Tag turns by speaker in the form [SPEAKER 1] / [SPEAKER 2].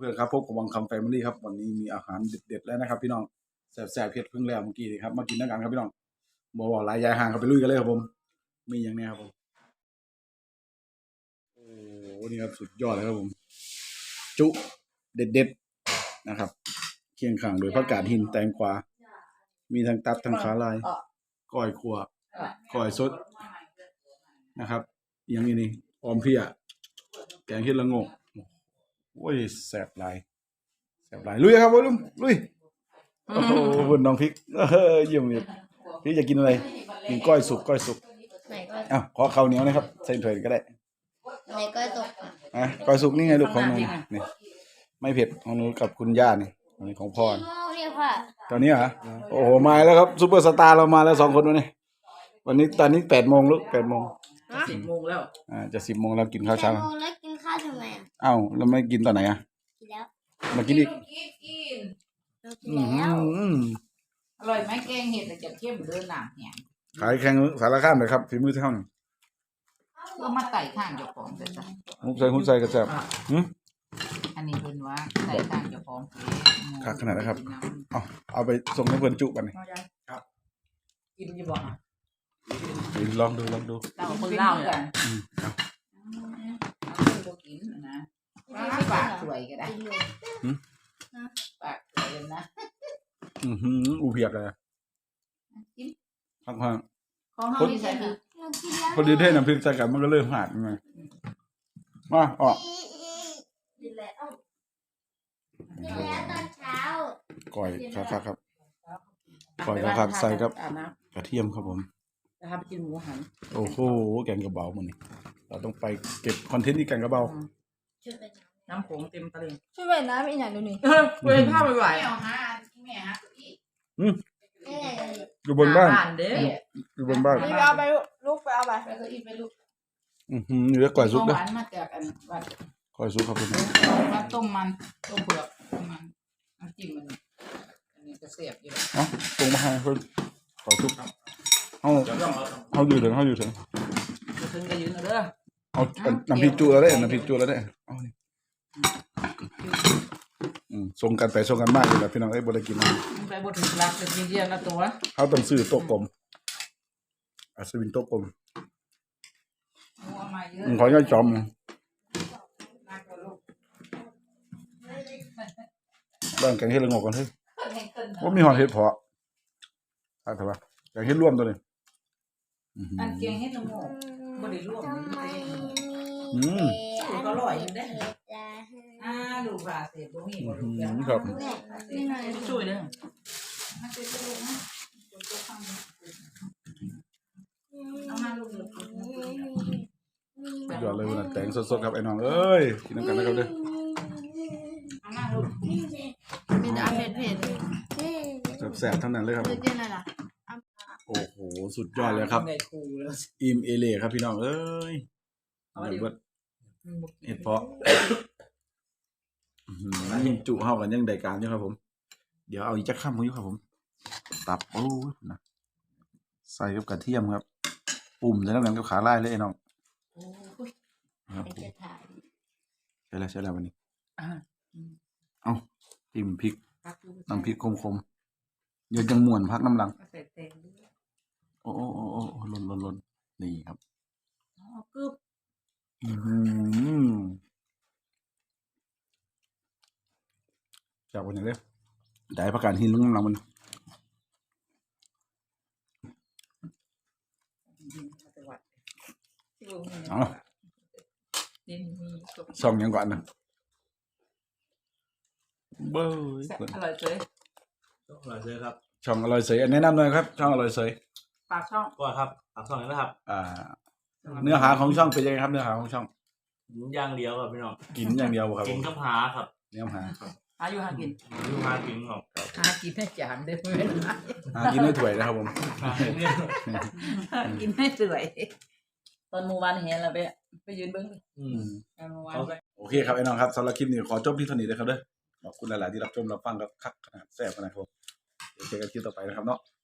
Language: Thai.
[SPEAKER 1] พื่อนครับพบกับวังคำแฟมิลี่ครับวันนี้มีอาหารเด็ดๆแล้วนะครับพี่น้องแซ่บๆเผ็ดเพิ่งแล้วเมื่อกี้ครับมากินด้วยกันครับพี่น้องบอกหลายยายห่างครับไปลุยกันเลยครับผมมีอย่างนี้ครับผมโอ้โหนี่ครับสุดยอดเลยครับผมจุเด็ดๆนะครับเคียงข้างโดยผักกาดหินแตงกวามีทั้งตับทั้งขาลายก้อยขั่วก้อยสดนะครับอย่างนี้นี่ออมเพียแกงเห็ดละโงกโอ้ยแซ่บหลายลุยครับวอลุ่มลุยโอ้โหคุณน้องพริกเยี่ยมเลยพี่จะกินอะไรกินก้อยสุก
[SPEAKER 2] ไหนก็
[SPEAKER 1] อ้าวขอข้าวเหนียวนะครับใส่ถ้วยก็ได้
[SPEAKER 2] ไหนก็ตก
[SPEAKER 1] ก้อยสุกนี่ไงลูกของหนูนี่ไม่เผ็ดของหนูกับคุณย่านี่อันนี้ของพ่อ
[SPEAKER 2] เนี่ยค่ะ
[SPEAKER 1] ตอนนี้เหรอโอ้โหมาแล้วครับซุปเปอร์สตาร์เรามาแล้ว2 คนวันนี้ตอนนี้8 โมงลูก8 โมง
[SPEAKER 3] 10 โมงแล้ว
[SPEAKER 1] จะ10 โมงแล้วกินข้าวเช้า
[SPEAKER 2] แล้วกินข้าวทำไม
[SPEAKER 1] อ้าวแล้วไม่กินตอนไหน
[SPEAKER 2] กินแล้ว
[SPEAKER 1] มากินอีก
[SPEAKER 3] อร่อยไหมแกงเห็ดแต่จะเข้มเดินหนาเนี่ย
[SPEAKER 1] ขายแข่งสารคามเลยครับฝีมือเท่าหนึ่ง
[SPEAKER 3] ก็มาไต่ข้างเจ้าของแต่จ้ะ
[SPEAKER 1] หุ้นใส่กระแจบ
[SPEAKER 3] อันนี้เป็นว่าไต่ข้างเจ้าของ
[SPEAKER 1] ขาดขนาดนะครับเอาไปส่งให้เพื่อนจุกันเลย
[SPEAKER 3] ครับกินจะบอก
[SPEAKER 1] ลองดู
[SPEAKER 3] เราคนเล่ากันเอากินนะปากสวยก็ได้ปากสวยนะ
[SPEAKER 1] อูเพียกเลยพัก
[SPEAKER 3] ของเขาที่ใส่คือ
[SPEAKER 1] พอดีเท่น้ำพริกใส่กันมันก็เริ่มหาดไงมาออก
[SPEAKER 2] กินแล้วตอนเช้า
[SPEAKER 1] ก่อยครับก่อยครับใส่ครับกระเทียมครับผม
[SPEAKER 3] นะครับไปกินหมูหัน
[SPEAKER 1] โอ้โหแกงกระเบามันนี่เราต้องไปเก็บคอนเทนต์ที่แกงกระเบา
[SPEAKER 3] น้ำผงเต็มตะลิง
[SPEAKER 2] ช่วยเว้นน้ำอีกหน่อยดูนี่
[SPEAKER 3] เว้นผ้าไม่ไหว
[SPEAKER 1] อยู่บนบ้านอยู่บนบ้าน
[SPEAKER 2] นี่เอาไปลูกไปเอาไป
[SPEAKER 3] ลูก
[SPEAKER 1] อยู่แล้วก่อยซุป
[SPEAKER 3] ด้วยมาจากอันวัด
[SPEAKER 1] ก่อยซุปครับผม
[SPEAKER 3] ต้มเผือกมันน้ำจิ้มมันอันนี้จะเสียบอยู่
[SPEAKER 1] ตรงมาให้เพิ่นก่อยซุปเขาอยู่ถึง
[SPEAKER 3] ก็ยืนเด้อ
[SPEAKER 1] เอาน้ำพริกจุแล้วได้น้ำพริกจุแล้วได้เอานี่ส่งกันไปส่งกันมากเลยแหละพี่น้องบ่ได้กิน
[SPEAKER 3] ไปบ่ถึงรักจะกินเดียวละตัว
[SPEAKER 1] เขาต้องซื้อโต๊ะกลมสวินโต๊ะกลมขอย่อยจอมบ้านแกงเห็ดละงกกันเฮ้ยว่ามีหอดเห็ดเพาะอะไรวะแกงเห็ดร่วมตัวนี้
[SPEAKER 3] อันแกงเห็ดละงกบ่ได้ร่วมก็อร่อยอยู่เด้ลูกว่าเสร็จบ่มีบ่ลูก
[SPEAKER 1] ครับ
[SPEAKER 3] ช่วยเด้อเอามาลูก
[SPEAKER 1] ยอดเลยวันแต่งสดๆครับไอ้น้องเอ้ยกินน้ำกันนะครับเด้อ
[SPEAKER 3] เอามาลูก
[SPEAKER 2] มีแต่เผ็ด
[SPEAKER 1] แซ่บๆทั้งนั้นเลยครับโอ้โหสุดยอดเลยครับอิ่มเอเล่ครับพี่น้องเอ้ยเห็ดเพาะจุเข้ากันยังได้การอยู่ครับผมเดี๋ยวเอาอีกจักข้ามมือครับผมตับโอ้นะใส่กับกระเทียมครับปุ่มใส่น้ำกันกับขาลายเลยไอ้น้องครับใช่แล้ววันนี้เอาจิ้มพริกน้ำพริกคมเดี๋ยวจังม่วนพักน้ำลังโอ้ลนนี่ครับจากวันนี้เลยได้ประกาศหินลุงน้ำมันส่องยังก่อนนะเบ้ย
[SPEAKER 3] อร่อยเฉย
[SPEAKER 4] ครับ
[SPEAKER 1] ช่องอร่อยเสยแนะนำหน่อยครับช่องอร่อยเสย
[SPEAKER 3] ปากช่อง
[SPEAKER 4] ก็ครับปากช่องนี้นะครับ
[SPEAKER 1] เนื้อหาของช่องเป็นยังไงครับเนื้อหาของช่อง
[SPEAKER 4] อย่างเดียวครับพี่น้อง
[SPEAKER 1] กินอย่างเดียวครับ
[SPEAKER 4] กินกับหาครับ
[SPEAKER 1] เนื้อหา
[SPEAKER 3] หาอยู่หากิน
[SPEAKER 4] ครับ
[SPEAKER 3] หากินให้จานได้ไหม
[SPEAKER 1] หากินให้ถ้วยนะครับผม
[SPEAKER 3] กินให้สวยตอนเมื่อวานเห็นเราไปยืนเบิ้ง
[SPEAKER 1] โอเคครับไอ้น้องครับสำหรับคลิปนี้ขอจบที่เท่านี้เลยครับเด้อขอบคุณหลายๆที่รับชมรับฟังครับคักขนาดแซ่บขนาดครับเดี๋ยวเจอกันคลิปต่อไปนะครับเนาะ